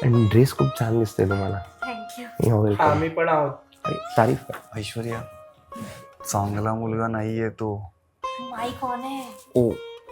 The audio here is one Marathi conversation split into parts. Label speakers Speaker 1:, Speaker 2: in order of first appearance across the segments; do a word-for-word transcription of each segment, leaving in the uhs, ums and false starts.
Speaker 1: ड्रेस खूप छान दिसतोय तुम्हाला.
Speaker 2: थँक्यू.
Speaker 3: आम्ही पण आहोत.
Speaker 1: तारीफ.
Speaker 4: ऐश्वर्या, चांगला मुलगा नाहीये तो.
Speaker 2: माई कोण आहे?
Speaker 4: ओ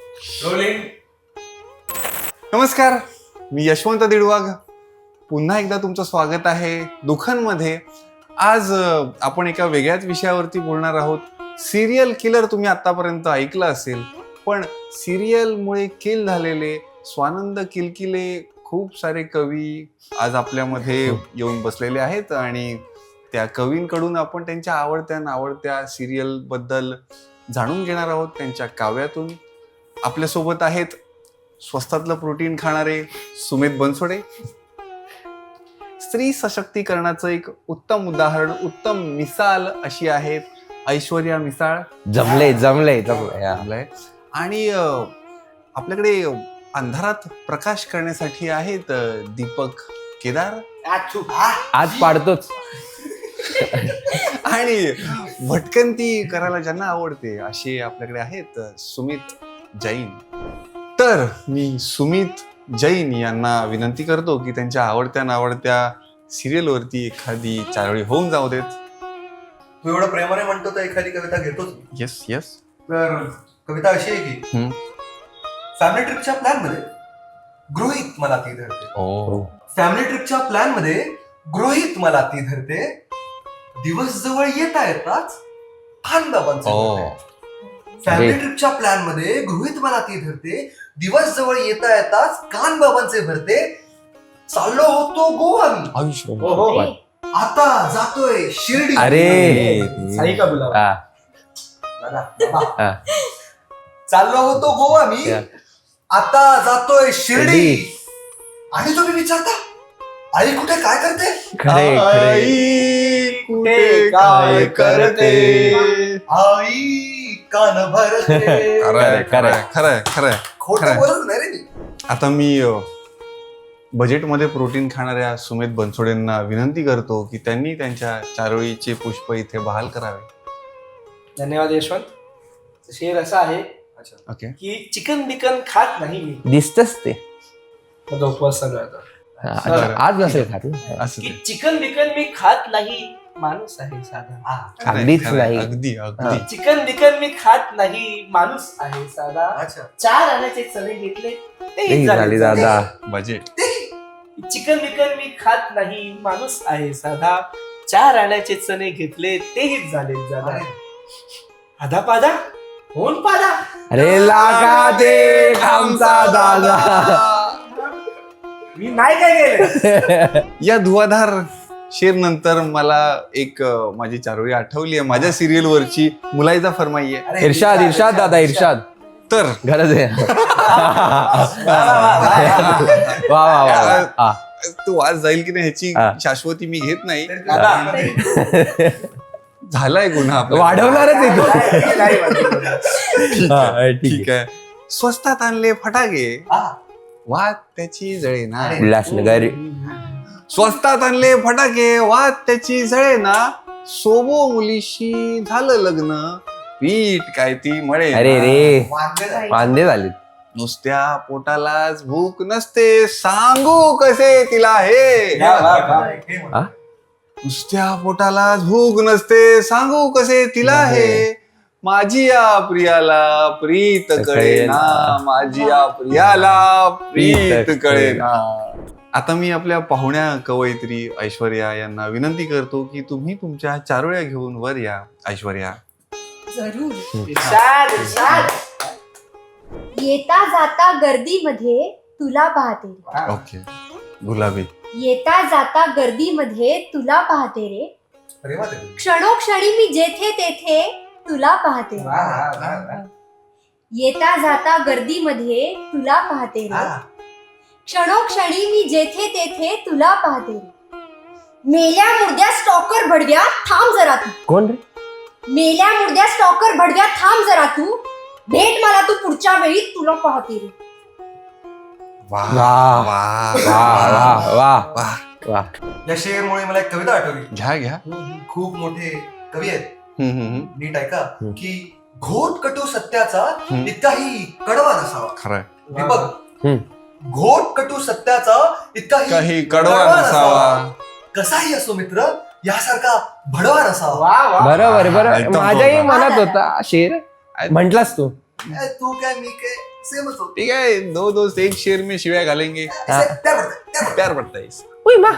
Speaker 4: नमस्कार, मी यशवंत दिडवाग. पुन्हा एकदा तुमचं स्वागत आहे दुखनमध्ये. आज अ, आपण एका वेगळ्याच विषयावरती बोलणार आहोत. सिरियल किलर तुम्ही आतापर्यंत ऐकलं असेल, पण सिरियलमुळे किल झालेले स्वानंद किलकिले खूप सारे कवी आज आपल्यामध्ये येऊन बसलेले आहेत आणि त्या कवींकडून आपण त्यांच्या आवडत्या नावडत्या सिरियल बद्दल जाणून घेणार आहोत, त्यांच्या काव्यातून. आपल्यासोबत आहेत स्वस्तातलं प्रोटीन खाणारे सुमित बनसोडे. स्त्री सशक्तीकरणाचं एक उत्तम उदाहरण, उत्तम मिसाल अशी आहेत ऐश्वर्या मिसाळ.
Speaker 1: जमले जमले जमले
Speaker 4: आपलंय. आणि अं, आपल्याकडे अंधारात प्रकाश करण्यासाठी आहेत अं, दीपक केदार.
Speaker 1: आज पाडतोच.
Speaker 4: आणि भटकंती करायला ज्यांना आवडते असे आपल्याकडे आहेत अं, सुमित जैन. तर मी सुमित जैन यांना विनंती करतो की त्यांच्या आवडत्या नावडत्या सिरियलवरती एखादी चारोळी होऊन जाऊ देत.
Speaker 5: तू एवढं प्रेमाने म्हणतो तर एखादी कविता घेतोच.
Speaker 4: Yes yes.
Speaker 5: तर कविता अशी आहे की
Speaker 4: हम्म.
Speaker 5: फॅमिली ट्रिपच्या प्लॅन मध्ये गृहीत मला ती धरते.
Speaker 4: ओ
Speaker 5: फॅमिली ट्रिपच्या प्लॅन मध्ये गृहीत मला ती धरते. दिवस जवळ येता येताच खानबाबांचे
Speaker 4: ओ
Speaker 5: भरते. फॅमिली ट्रिपच्या प्लॅन मध्ये गृहीत मला ती धरते. दिवस जवळ येता येताच कानबाबांचे भरते. चाललो होतो गोवा मी,
Speaker 4: आयुष्य.
Speaker 3: ओहो.
Speaker 5: आता जातोय शिर्डी.
Speaker 1: अरे
Speaker 3: साई का बोला.
Speaker 1: हा,
Speaker 5: दादा, बाबा.
Speaker 1: हा.
Speaker 5: चाललो होतो गोवा मी,
Speaker 1: या.
Speaker 5: आता जातोय शिर्डी.
Speaker 1: शिर्डी.
Speaker 5: आणि तुम्ही विचारता आई कुठे काय करते?
Speaker 1: खरे खरे.
Speaker 4: आई कुठे काय करते?
Speaker 5: आई कान भरते.
Speaker 4: खरंय
Speaker 1: खरंय.
Speaker 4: खरंय खरंय खरंय.
Speaker 5: खोटं
Speaker 4: खरंय.
Speaker 5: बोलत नाही रे मी.
Speaker 4: आता मी अ, बजेटमध्ये प्रोटीन खाणाऱ्या सुमित बनसोडेंना विनंती करतो की त्यांनी त्यांच्या चारोळीचे पुष्प इथे बहाल करावे.
Speaker 3: धन्यवाद यशवंत. शेर असा आहे
Speaker 4: ओके.
Speaker 3: की चिकन बिकन खात नाही मी.
Speaker 1: दिसतच ते.
Speaker 3: माझा उपवास चालू आहे आता.
Speaker 1: हा, आज- आज नसेल खात.
Speaker 4: असं
Speaker 3: की
Speaker 4: ते.
Speaker 3: चिकन बिकन मी खात नाही, माणूस आहे साधा.
Speaker 5: हा.
Speaker 4: खरंय,
Speaker 1: अगदीच
Speaker 4: खरंय.
Speaker 1: नाही.
Speaker 4: अगदी अगदी.
Speaker 3: चिकन बिकन मी खात नाही, माणूस आहे साधा.
Speaker 5: अच्छा.
Speaker 3: चार आण्याचे चणे घेतले
Speaker 1: तेही
Speaker 3: तेही
Speaker 1: झाली
Speaker 3: झाले
Speaker 1: दादा.
Speaker 4: बजेट.
Speaker 3: चिकन बिकन मी खात नाही, माणूस आहे साधा. चार आण्याचे चणे घेतले तेही झाले जादा. आधा पादा होऊन पादा.
Speaker 1: अरे लागा दे आमचा दादा.
Speaker 3: मी नाही काय केलं.
Speaker 4: या धुवाधार शेर नंतर मला एक अ, माझी चारोळी आठवली आहे माझ्या सिरियल वरची. मुलायजा फरमाई आहे.
Speaker 5: अरे,
Speaker 1: इर्षाद इर्षाद दादा इर्षाद.
Speaker 4: तर
Speaker 1: गरज आहे. वा वा वा वा.
Speaker 4: तो आज जाईल की नाही ह्याची
Speaker 1: हा.
Speaker 4: शाश्वती मी घेत नाही.
Speaker 5: दादा,
Speaker 4: झालाय गुन्हा आपला.
Speaker 1: वाढवणारच आहे तो.
Speaker 3: नाही वाटलं.
Speaker 1: हा, ठीक
Speaker 4: ठीक आहे. स्वस्तात आणले फटाके,
Speaker 5: हा.
Speaker 4: वाद त्याची जळे ना.
Speaker 1: आहे. उल्हासनगर.
Speaker 4: स्वस्तात आणले फटाके, वाद त्याची जळे ना. सोबो मुलीशी झालं लग्न, पीठ काय ती मळे ना.
Speaker 1: अरे रे
Speaker 5: वांगे झाले.
Speaker 1: वांदे झाले.
Speaker 4: नुसत्या पोटालाच भूक नसते, सांगू कसे तिला हे.
Speaker 5: वा, वा, वा. हे म्हणा.
Speaker 1: हा?
Speaker 4: नुसत्या पोटालाच भूक नसते, सांगू कसे तिला हे. माझी या प्रियाला प्रीत कळेना, माझी या प्रियाला प्रीत कळेना. आता मी आपल्या पाहुण्या कवयित्री ऐश्वर्या यांना विनंती करतो की तुम्ही तुमच्या चारोळ्या घेऊन वर या. ऐश्वर्या.
Speaker 2: जरूर.
Speaker 3: इर्षाद, इर्षाद.
Speaker 2: येता जाता गर्दीमध्ये तुला पाहते रे.
Speaker 4: ओके. गुलाबी.
Speaker 2: येता जाता गर्दीमध्ये तुला पाहते रे.
Speaker 5: अरे वा, ते.
Speaker 2: क्षणोक्षणी मी जेथे तेथे तुला पाहते
Speaker 5: वा, वा, वा, वा.
Speaker 2: रे. येता जाता गर्दीमध्ये तुला पाहते रे.
Speaker 5: हा.
Speaker 2: क्षणोक्षणी मी जेथे तेथे तुला पाहते रे. मेल्या मुर्द्या स्टॉकर भडव्या थांब जरा तू.
Speaker 1: कोण रे?
Speaker 2: मेल्या मुर्द्या स्टॉकर भडव्या थांब जरा तू. भेट मला तू पुढच्या वेळी तुला पाहते रे.
Speaker 4: वा
Speaker 1: वा.
Speaker 4: वा
Speaker 1: वा वा वा
Speaker 4: वा.
Speaker 1: वा.
Speaker 5: या शेरमुळे मला एक कविता आठवली.
Speaker 4: घ्या घ्या.
Speaker 5: खूप मोठे कवी आहेत,
Speaker 4: हम्म, हम्म, हम्म.
Speaker 5: नीट ऐका.
Speaker 1: हम्म.
Speaker 5: की घोट कटू सत्याचा
Speaker 4: हम्म.
Speaker 5: इतकाही कडवा नसावा.
Speaker 4: खरंय.
Speaker 5: दीपक,
Speaker 1: हम्म.
Speaker 5: घोट कटू सत्याचा इतकाही
Speaker 4: काही कडवा नसावा.
Speaker 5: कसाही असो मित्र यासारखा भडवा नसावा.
Speaker 3: वा वा
Speaker 1: बरोबर
Speaker 4: हा,
Speaker 1: बरोबर
Speaker 4: एकदम
Speaker 1: माझ्याही
Speaker 4: बरोबर.
Speaker 1: मनात होता शेर म्हटलास तू
Speaker 5: ए, तू काय मी काय सेमच होतो.
Speaker 4: ठीक आहे, दो दोस्त एक शेर में शिव्या घालेंगे,
Speaker 5: प्यार पडतं, प्यार पडतं.
Speaker 4: प्यार पडता है.
Speaker 1: उई मा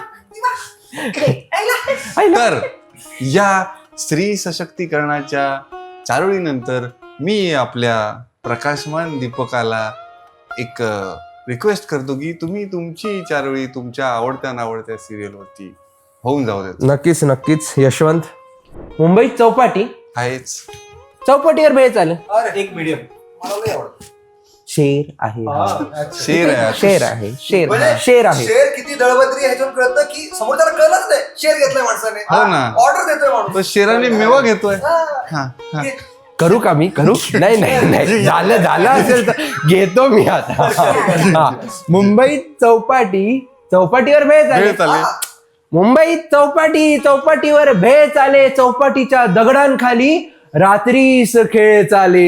Speaker 4: तर या स्त्री सशक्तीकरणाच्या चारोळीनंतर मी आपल्या प्रकाशमान दीपकाला एक रिक्वेस्ट करतो की तुम्ही तुमची चारोळी तुमच्या आवडत्या नावडत्या सिरियलवरती होऊन जाऊ देत.
Speaker 1: नक्कीच नक्कीच यशवंत मुंबईत चौपाटी
Speaker 4: आहेच.
Speaker 1: चौपाटीवर भेळ चालेल
Speaker 5: अरे
Speaker 3: एक मीडियम
Speaker 5: मला लय आवडतं.
Speaker 1: शेर आहे
Speaker 4: शेर आहे.
Speaker 1: शेर आहे शेर
Speaker 5: म्हणजे
Speaker 1: शेर आहे
Speaker 5: शेर किती दळबद्री ह्याच्यावर कळतं की समोर त्याला कळलंच नाही शेर घेतलाय माणसाने.
Speaker 4: हो ना.
Speaker 5: ऑर्डर देतोय
Speaker 4: तो
Speaker 5: माणूस.
Speaker 4: शेराने मेवा घेतोय.
Speaker 5: हा.
Speaker 4: हा, हा.
Speaker 5: घे.
Speaker 1: करू का मी करू नाही नाही नाही झालं झालं असेल तर घेतो मी आता हा. मुंबईत चौपाटी चौपाटीवर भेळ
Speaker 4: वेळ
Speaker 1: चालेल
Speaker 4: चालेल.
Speaker 1: मुंबईत चौपाटी चौपाटीवर भेळ चाले चौपाटीच्या दगडांखाली रात्रीस खेळ चाले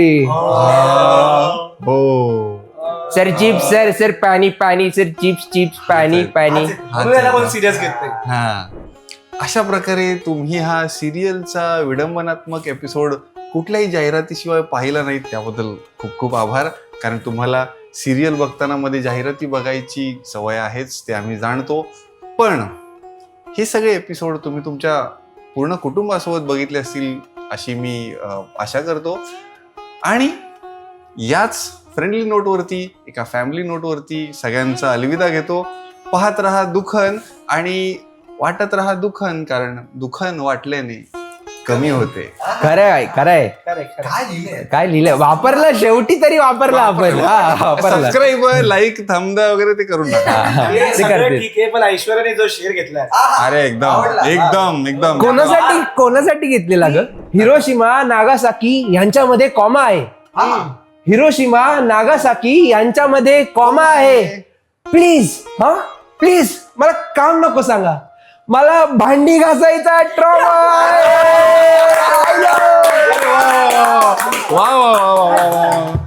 Speaker 4: हो.
Speaker 1: सर चिप्स सर सर पाणी पाणी सर चिप्स चिप्स पाणी पाणी
Speaker 3: म्हणून याला कोण सिरियस घेत नाही.
Speaker 4: हा. अशा प्रकारे तुम्ही हा सिरियलचा विडंबनात्मक एपिसोड कुठल्याही जाहिरातीशिवाय पाहिला नाहीत त्याबद्दल खूप खूप आभार. कारण तुम्हाला सिरियल बघताना मध्ये जाहिराती बघायची सवय आहेच ते आम्ही जाणतो. पण हे सगळे एपिसोड तुम्ही तुमच्या पूर्ण कुटुंबासोबत बघितले असतील अशी मी अ, आशा करतो. आणि याच फ्रेंडली नोटवरती एका फॅमिली नोटवरती सगळ्यांचा अलविदा घेतो. पाहत रहा दुखन आणि वाटत रहा दुखन, कारण दुखन वाटल्याने कमी होते.
Speaker 1: खरं आहे खरं आहे
Speaker 3: Correct, correct.
Speaker 5: काय लिहिलंय
Speaker 1: काय लिहिलं वापरलं शेवटी तरी वापरलं आपण हा वापरलं
Speaker 4: सबस्क्राईब लाईक थंबदा वगैरे ते करून टाका.
Speaker 3: हे
Speaker 1: ते
Speaker 3: सगळं
Speaker 1: करतील.
Speaker 3: ठीक आहे पण ऐश्वर्याने जो शेर घेतलाय
Speaker 5: आहा.
Speaker 4: अरे एकदम
Speaker 5: आवडला.
Speaker 4: एकदम एकदम
Speaker 1: कोणासाठी कोणासाठी घेतलेला ग हिरोशिमा नागासाकी यांच्यामध्ये कॉमा आहे
Speaker 5: हा.
Speaker 1: हिरोशिमा नागासाकी यांच्यामध्ये कॉमा आहे प्लीज हा प्लीज मला काम नको सांगा मला भांडी घासायचा ट्रॉमा आहे
Speaker 4: वा वा वा वा वा.